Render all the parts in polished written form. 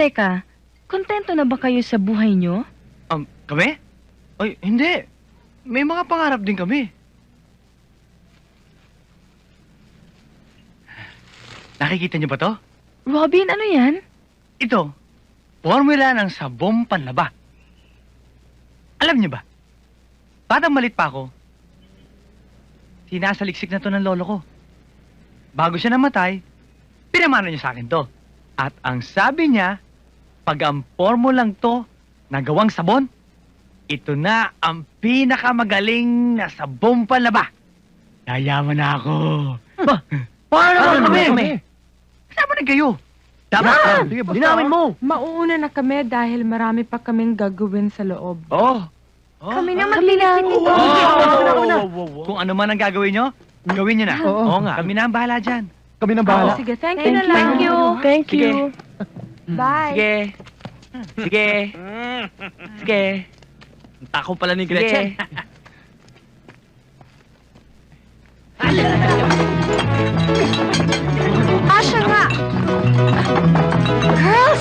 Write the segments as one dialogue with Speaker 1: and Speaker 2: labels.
Speaker 1: Teka, kontento na ba kayo sa buhay nyo?
Speaker 2: Kami? Ay, hindi. May mga pangarap din kami. Nakikita niyo ba to?
Speaker 1: Robin, ano yan?
Speaker 2: Ito, formula ng sabong panlaba. Alam niyo ba? Batang malit pa ako, sinasaliksik na to ng lolo ko. Bago siya namatay, pinamana niya sa akin to. At ang sabi niya, pag ang formulang to nagawang sabon, ito na ang pinakamagaling na sabong panlaba. Yayaman na ako. Paano kami? Kasama na kayo. Dapat dinawin mo.
Speaker 3: Mauuna na kami dahil marami pa kaming gagawin sa loob.
Speaker 1: Kami na maglinis nito.
Speaker 2: Kung ano man ang gagawin nyo, gawin nyo na. Oo nga. Kami na ang bahala dyan.
Speaker 4: Kami nang bahala.
Speaker 3: Sige, thank you na lang.
Speaker 1: Thank you.
Speaker 3: Thank
Speaker 2: Sige.
Speaker 3: you. Bye.
Speaker 2: Sige. Sige. Tako pala ni Gretchen.
Speaker 1: Asya nga! Girls!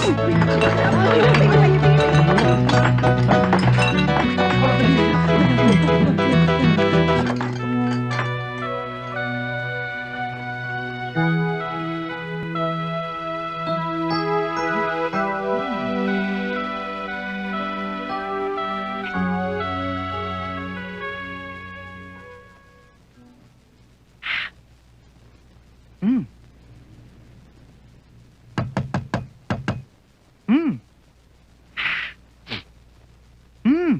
Speaker 2: Mm. Mm. Mm.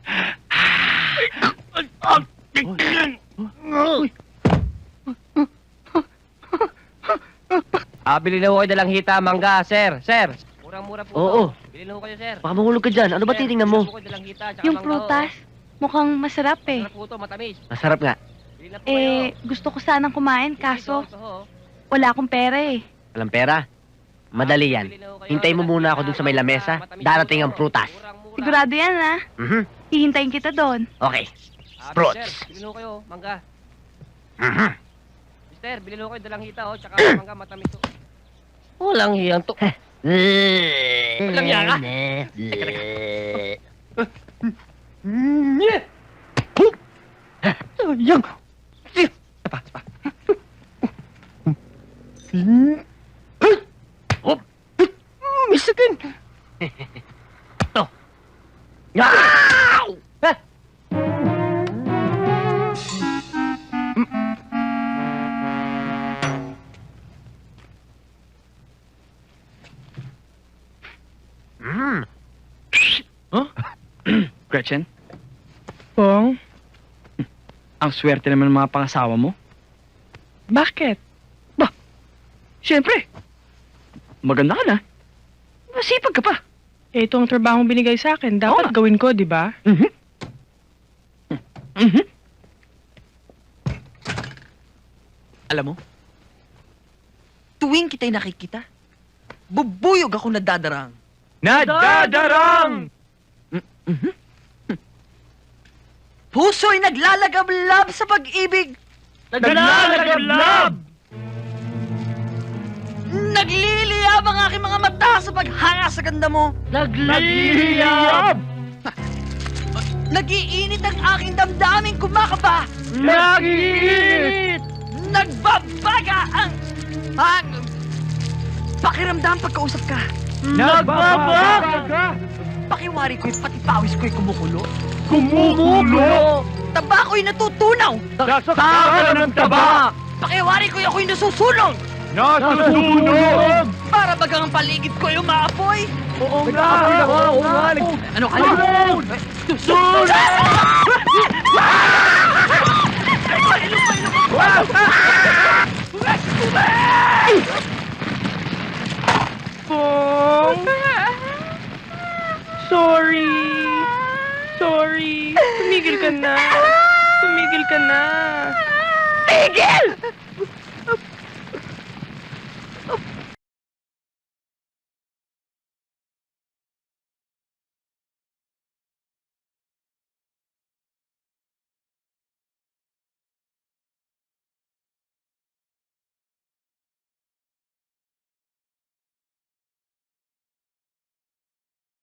Speaker 5: Bili na ho kayo dalang hita, mangga, sir. Sir, murang-mura po.
Speaker 6: Oo.
Speaker 5: Bili na ho kayo, sir.
Speaker 6: Baka mahulog ka dyan. Ano ba
Speaker 5: Sir,
Speaker 6: titingnan mo?
Speaker 5: bili na ho kayo dalang hita, tsaka
Speaker 1: Yung
Speaker 5: mangga,
Speaker 1: prutas, mukhang masarap eh.
Speaker 5: Masarap po ito, matamis.
Speaker 6: Masarap nga.
Speaker 5: Bili na po kayo.
Speaker 1: Gusto ko sanang kumain, kaso
Speaker 5: Ito, ho.
Speaker 1: wala akong pera eh.
Speaker 6: Walang pera. Madali yan.
Speaker 5: Bili na ho kayo.
Speaker 6: Hintayin mo
Speaker 5: Dalang
Speaker 6: muna
Speaker 5: hita,
Speaker 6: ako dun sa may lamesa.
Speaker 5: matamis
Speaker 6: Darating
Speaker 5: po.
Speaker 6: ang prutas.
Speaker 5: Murang-mura.
Speaker 1: Sigurado yan ah.
Speaker 6: Mhm.
Speaker 1: Hihintayin kita doon.
Speaker 6: Okay.
Speaker 5: Sir,
Speaker 6: Fruits.
Speaker 5: bili na ho kayo, mangga.
Speaker 6: Mhm.
Speaker 5: Mister, bili na ho kayo dalang hita, tsaka mangga, matamis ho.
Speaker 6: Walang hiyang to.
Speaker 5: Walang hiya ka?
Speaker 6: Yang. Hop. Misakin. To. Yaw!
Speaker 2: Gretchen,
Speaker 3: Pong,
Speaker 2: ang swerte naman ng mga pangasawa mo.
Speaker 3: bakit?
Speaker 2: Siyempre. Maganda ka na. Masipag ka pa.
Speaker 3: Ito ang trabaho binigay sa akin. Dapat
Speaker 2: Oo.
Speaker 3: gawin ko, di ba?
Speaker 2: Alam mo,
Speaker 7: Tuwing kita'y nakikita, bubuyog ako nadadarang.
Speaker 2: nadadarang!
Speaker 7: Puso'y naglalagablab sa pag-ibig.
Speaker 2: Naglalagablab!
Speaker 7: Nagliliyab ang aking mga mata sa paghanga sa ganda mo.
Speaker 2: Nagliliyab!
Speaker 7: Nagiinit ang aking damdaming kumakaba.
Speaker 2: Nagiinit!
Speaker 7: Nagbabaga ang pakiramdam pagkausap ka.
Speaker 2: Nagbabaga!
Speaker 7: Pakiwari ko'y pati pawis ko'y kumukulo.
Speaker 2: Kumukulo!
Speaker 7: Taba ko'y natutunaw.
Speaker 2: Saksakan ng taba!
Speaker 7: Pakiwari ko'y ako'y nasusunog.
Speaker 2: Nasusunog!
Speaker 7: Para bagang ang paligid ko'y umaapoy.
Speaker 2: Oo nga! Oo nga!
Speaker 7: Ano ka
Speaker 2: Sunog!
Speaker 3: Pong! Sorry! Sorry! Tumigil ka na! Tumigil ka na!
Speaker 7: Tigil!